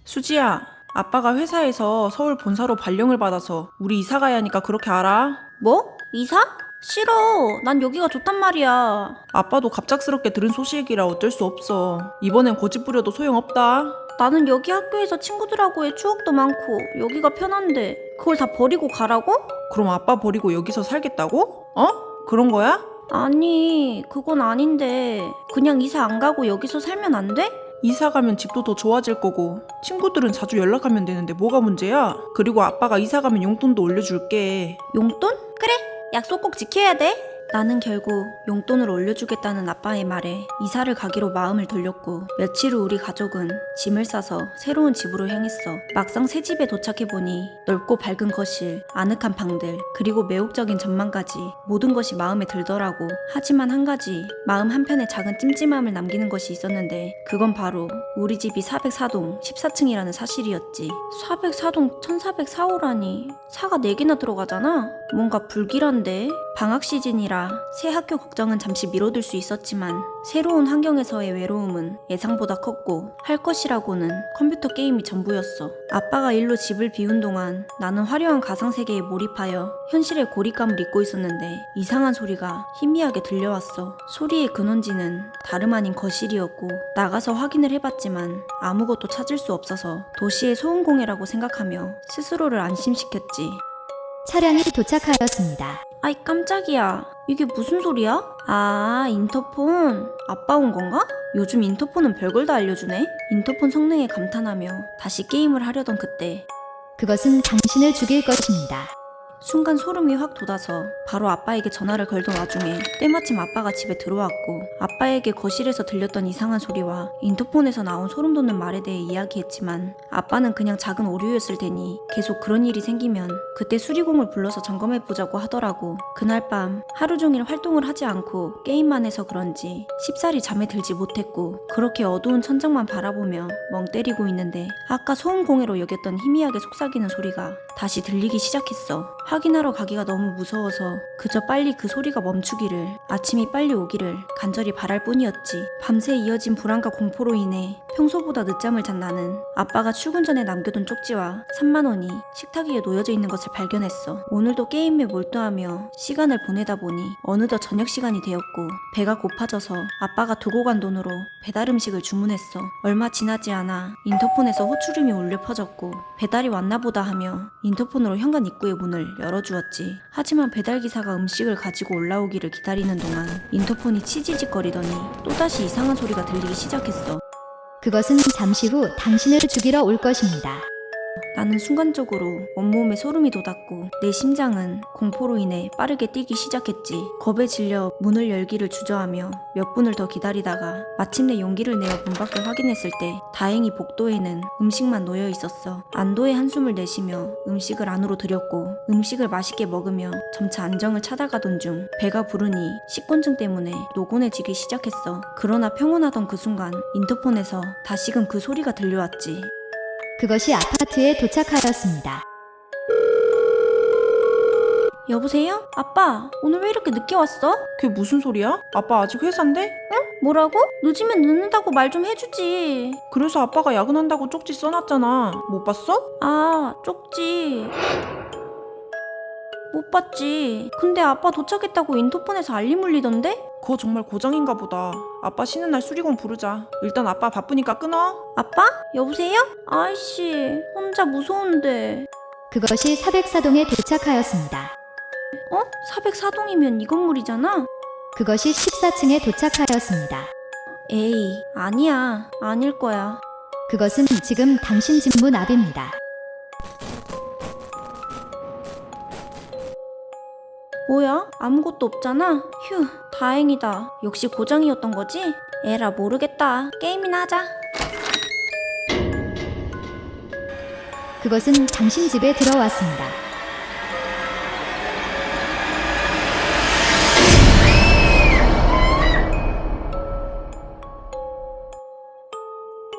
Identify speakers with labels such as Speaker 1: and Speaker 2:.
Speaker 1: 수지야, 아빠가 회사에서 서울 본사로 발령을 받아서 우리 이사 가야 하니까 그렇게 알아?
Speaker 2: 뭐? 이사? 싫어. 난 여기가 좋단 말이야.
Speaker 1: 아빠도 갑작스럽게 들은 소식이라 어쩔 수 없어. 이번엔 고집 부려도 소용없다.
Speaker 2: 나는 여기 학교에서 친구들하고의 추억도 많고 여기가 편한데 그걸 다 버리고 가라고?
Speaker 1: 그럼 아빠 버리고 여기서 살겠다고? 그런 거야?
Speaker 2: 아니, 그건 아닌데 그냥 이사 안 가고 여기서 살면 안 돼?
Speaker 1: 이사 가면 집도 더 좋아질 거고 친구들은 자주 연락하면 되는데 뭐가 문제야? 그리고 아빠가 이사 가면 용돈도 올려줄게.
Speaker 2: 용돈? 그래, 약속 꼭 지켜야 돼. 나는 결국 용돈을 올려주겠다는 아빠의 말에 이사를 가기로 마음을 돌렸고 며칠 후 우리 가족은 짐을 싸서 새로운 집으로 향했어. 막상 새 집에 도착해보니 넓고 밝은 거실, 아늑한 방들, 그리고 매혹적인 전망까지 모든 것이 마음에 들더라고. 하지만 한 가지 마음 한편에 작은 찜찜함을 남기는 것이 있었는데 그건 바로 우리 집이 404동 14층이라는 사실이었지. 404동 1404호라니 4가 4개나 들어가잖아? 뭔가 불길한데? 방학 시즌이라 새 학교 걱정은 잠시 미뤄둘 수 있었지만 새로운 환경에서의 외로움은 예상보다 컸고 할 것이라고는 컴퓨터 게임이 전부였어. 아빠가 일로 집을 비운 동안 나는 화려한 가상세계에 몰입하여 현실의 고립감을 잊고 있었는데 이상한 소리가 희미하게 들려왔어. 소리의 근원지는 다름 아닌 거실이었고 나가서 확인을 해봤지만 아무것도 찾을 수 없어서 도시의 소음공해라고 생각하며 스스로를 안심시켰지.
Speaker 3: 차량이 도착하였습니다.
Speaker 2: 아이 깜짝이야. 이게 무슨 소리야? 아, 인터폰. 아빠 온 건가? 요즘 인터폰은 별걸 다 알려주네. 인터폰 성능에 감탄하며 다시 게임을 하려던 그때
Speaker 3: 그것은 당신을 죽일 것입니다.
Speaker 2: 순간 소름이 확 돋아서 바로 아빠에게 전화를 걸던 와중에 때마침 아빠가 집에 들어왔고 아빠에게 거실에서 들렸던 이상한 소리와 인터폰에서 나온 소름 돋는 말에 대해 이야기했지만 아빠는 그냥 작은 오류였을 테니 계속 그런 일이 생기면 그때 수리공을 불러서 점검해보자고 하더라고. 그날 밤 하루 종일 활동을 하지 않고 게임만 해서 그런지 쉽사리 잠에 들지 못했고 그렇게 어두운 천장만 바라보며 멍 때리고 있는데 아까 소음공해로 여겼던 희미하게 속삭이는 소리가 다시 들리기 시작했어. 확인하러 가기가 너무 무서워서 그저 빨리 그 소리가 멈추기를, 아침이 빨리 오기를 간절히 바랄 뿐이었지. 밤새 이어진 불안과 공포로 인해 평소보다 늦잠을 잔 나는 아빠가 출근 전에 남겨둔 쪽지와 3만 원이 식탁 위에 놓여져 있는 것을 발견했어. 오늘도 게임에 몰두하며 시간을 보내다 보니 어느덧 저녁 시간이 되었고 배가 고파져서 아빠가 두고 간 돈으로 배달 음식을 주문했어. 얼마 지나지 않아 인터폰에서 호출음이 울려 퍼졌고 배달이 왔나 보다 하며 인터폰으로 현관 입구의 문을 열어주었지. 하지만 배달기사가 음식을 가지고 올라오기를 기다리는 동안 인터폰이 치지직거리더니 또다시 이상한 소리가 들리기 시작했어.
Speaker 3: 그것은 잠시 후 당신을 죽이러 올 것입니다.
Speaker 2: 나는 순간적으로 온몸에 소름이 돋았고 내 심장은 공포로 인해 빠르게 뛰기 시작했지. 겁에 질려 문을 열기를 주저하며 몇 분을 더 기다리다가 마침내 용기를 내어 문 밖을 확인했을 때 다행히 복도에는 음식만 놓여 있었어. 안도의 한숨을 내쉬며 음식을 안으로 들였고 음식을 맛있게 먹으며 점차 안정을 찾아가던 중 배가 부르니 식곤증 때문에 노곤해지기 시작했어. 그러나 평온하던 그 순간 인터폰에서 다시금 그 소리가 들려왔지.
Speaker 3: 그것이 아파트에 도착하였습니다.
Speaker 2: 여보세요? 아빠, 오늘 왜 이렇게 늦게 왔어?
Speaker 1: 그게 무슨 소리야? 아빠 아직 회사인데?
Speaker 2: 뭐라고? 늦으면 늦는다고 말 좀 해주지.
Speaker 1: 그래서 아빠가 야근한다고 쪽지 써놨잖아. 못 봤어?
Speaker 2: 아, 쪽지. 못 봤지. 근데 아빠 도착했다고 인터폰에서 알림 울리던데?
Speaker 1: 그거 정말 고장인가 보다. 아빠 쉬는 날 수리공 부르자. 일단 아빠 바쁘니까 끊어.
Speaker 2: 아빠? 여보세요? 아이씨, 혼자 무서운데.
Speaker 3: 그것이 404동에 도착하였습니다.
Speaker 2: 404동이면 이 건물이잖아?
Speaker 3: 그것이 14층에 도착하였습니다.
Speaker 2: 에이, 아니야. 아닐 거야.
Speaker 3: 그것은 지금 당신 집 문 앞입니다.
Speaker 2: 뭐야? 아무것도 없잖아? 휴, 다행이다. 역시 고장이었던 거지? 에라 모르겠다. 게임이나 하자.
Speaker 3: 그것은 당신 집에 들어왔습니다.